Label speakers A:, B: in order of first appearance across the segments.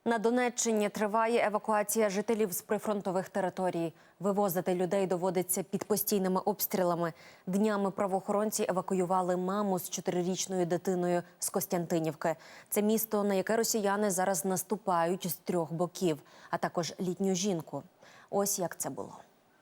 A: На Донеччині триває евакуація жителів з прифронтових територій. Вивозити людей доводиться під постійними обстрілами. Днями правоохоронці евакуювали маму з 4-річною дитиною з Костянтинівки. Це місто, на яке росіяни зараз наступають з 3 боків, а також літню жінку. Ось як це було.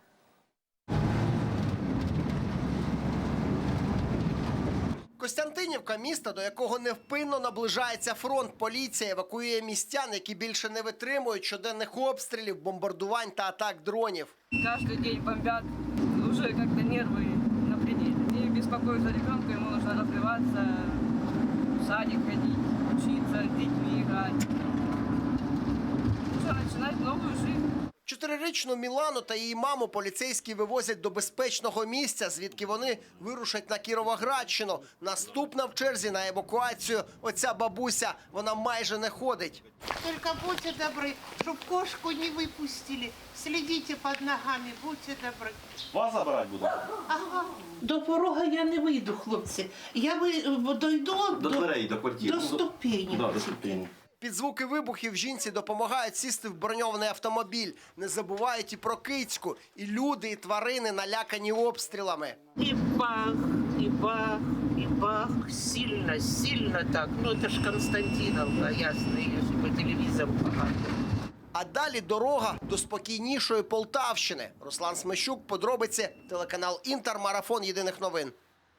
B: Костянтинівка – місто, до якого невпинно наближається фронт. Поліція евакуює містян, які більше не витримують щоденних обстрілів, бомбардувань та атак дронів.
C: Каждый день бомбят, уже как-то нервы на пределе. И беспокоюсь за ребенка, ему нужно развиваться, в садик ходить, учиться, с детьми играть. Нужно начинать новую жизнь.
B: 4-річну Мілану та її маму поліцейські вивозять до безпечного місця, звідки вони вирушать на Кіровоградщину. Наступна в черзі на евакуацію – оця бабуся. Вона майже не ходить.
D: Только будьте добры, чтоб кошку не выпустили. Следите под ногами, будьте добры.
E: Вас забирати буду?
D: Ага. До порога я не вийду, хлопці. Я дойду
E: До дверей, до квартири.
D: до ступені.
E: Да, до ступені.
B: Під звуки вибухів жінці допомагають сісти в броньований автомобіль. Не забувають і про кицьку. І люди, і тварини налякані обстрілами.
D: И бах, и бах, и бах. Сильно, сильно так. Ну, это ж Константиновка, ясно, ее же по телевизору показывают.
B: А далі дорога до спокійнішої Полтавщини. Руслан Смещук, подробиці, телеканал «Інтер», марафон єдиних новин.